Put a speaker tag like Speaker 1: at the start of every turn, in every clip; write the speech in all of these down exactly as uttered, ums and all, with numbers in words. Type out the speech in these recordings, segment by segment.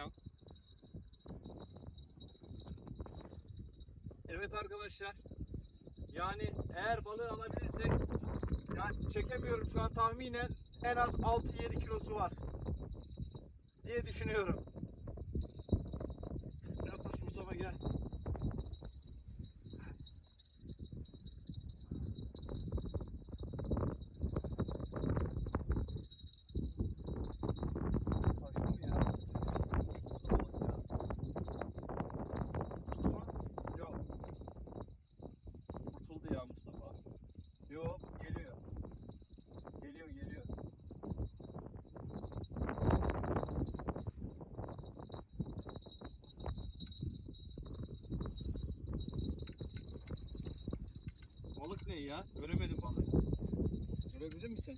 Speaker 1: al. Evet arkadaşlar. Yani eğer balığı alabilirsek, yani çekemiyorum şu an, tahminen en az altı yedi kilosu var diye düşünüyorum. Yaklaş Mustafa, gel. Yok, geliyor. Geliyor, geliyor. Balık ne ya? Göremedim balığı. Görebilir misin?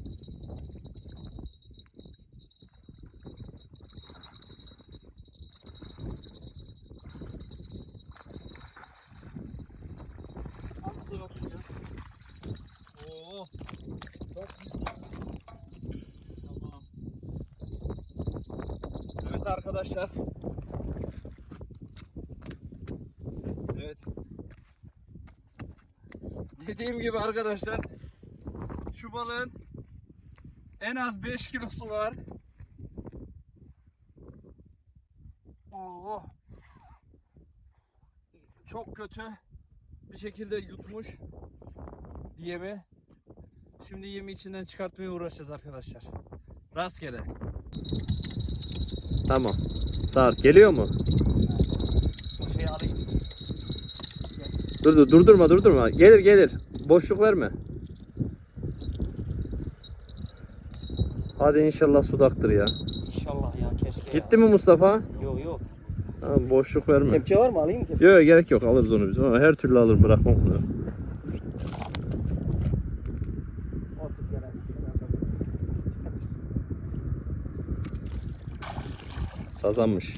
Speaker 1: Hamza bakın ya. Oo. Bak. Tamam. Evet arkadaşlar. Evet. Dediğim gibi arkadaşlar, şu balığın en az beş kilosu var. Oo. Çok kötü bir şekilde yutmuş yemi. Şimdi yemi içinden çıkartmaya uğraşacağız arkadaşlar. Rastgele.
Speaker 2: Tamam. Sağır geliyor mu?
Speaker 1: Bu şeyi alayım.
Speaker 2: Dur dur durdurma durdurma. Gelir gelir. Boşluk verme. Hadi inşallah sudaktır ya.
Speaker 3: İnşallah ya, keşke.
Speaker 2: Gitti mi Mustafa?
Speaker 3: Yok yok.
Speaker 2: Tamam, boşluk verme.
Speaker 3: Kepçe var mı, alayım mı kepçe?
Speaker 2: Yok gerek yok, alırız onu biz. Ama her türlü alır, bırakmam bunu.
Speaker 3: Otur gel.
Speaker 2: Sazanmış.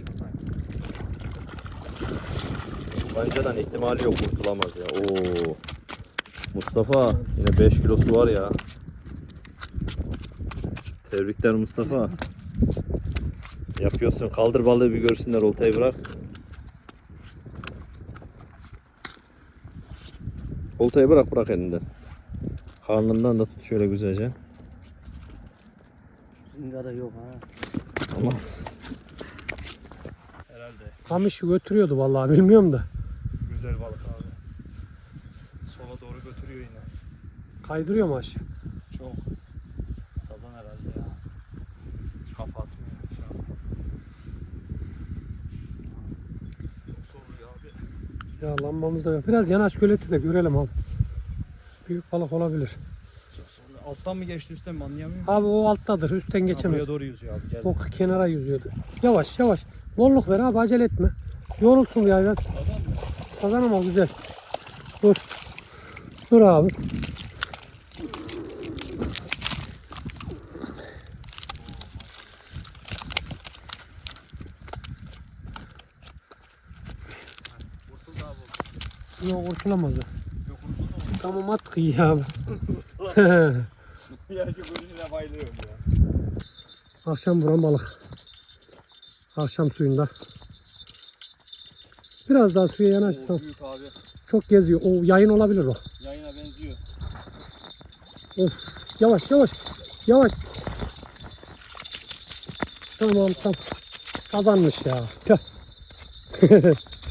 Speaker 2: Banca'dan ihtimali yok, kurtulamaz ya. Oo. Mustafa yine beş kilosu var ya. Tebrikler Mustafa. Yapıyorsun. Kaldır balığı bir görsünler, oltayı bırak. Oltayı bırak bırak elinden. Karnından da tut şöyle güzelce.
Speaker 3: Zingada yok ha.
Speaker 2: Ama
Speaker 1: Herhalde.
Speaker 4: Kamışı götürüyordu vallahi, bilmiyorum da.
Speaker 1: Güzel balık abi. Sola doğru götürüyor yine.
Speaker 4: Kaydırıyor mu aşağı?
Speaker 1: Çok. Sazan herhalde ya. Kafa atmıyor şu an. Çok zorluyor abi.
Speaker 4: Ya lambamız da yok. Biraz yanaş göleti de görelim abi. Büyük balık olabilir.
Speaker 1: Çok zorluyor. Alttan mı geçti üstten mi anlayamıyorum.
Speaker 4: Abi o alttadır, üstten
Speaker 1: Ha,
Speaker 4: geçemez.
Speaker 1: buraya doğru yüzüyor abi. Gel.
Speaker 4: O kenara yüzüyordu. Yavaş yavaş. Bolluk ver abi, acele etme. Yorulsun bir hayvan.
Speaker 1: Sazan mı?
Speaker 4: Sazan ama güzel. Dur. Dur abi.
Speaker 1: Kurtuldu abi.
Speaker 4: Yok, kurtulamaz o.
Speaker 1: Yok kurtuldu mu?
Speaker 4: Tamam, at kıyı abi.
Speaker 1: Ya şu görüşüne bayılıyorum ya.
Speaker 4: Akşam vuran balık. Akşam suyunda. Biraz daha suya yanaşsan.
Speaker 1: Oo, büyük abi.
Speaker 4: Çok geziyor. O yayın olabilir o.
Speaker 1: Yayına benziyor.
Speaker 4: Of. Yavaş yavaş. Yavaş. Tamam tamam. Sazanmış ya. Tüh.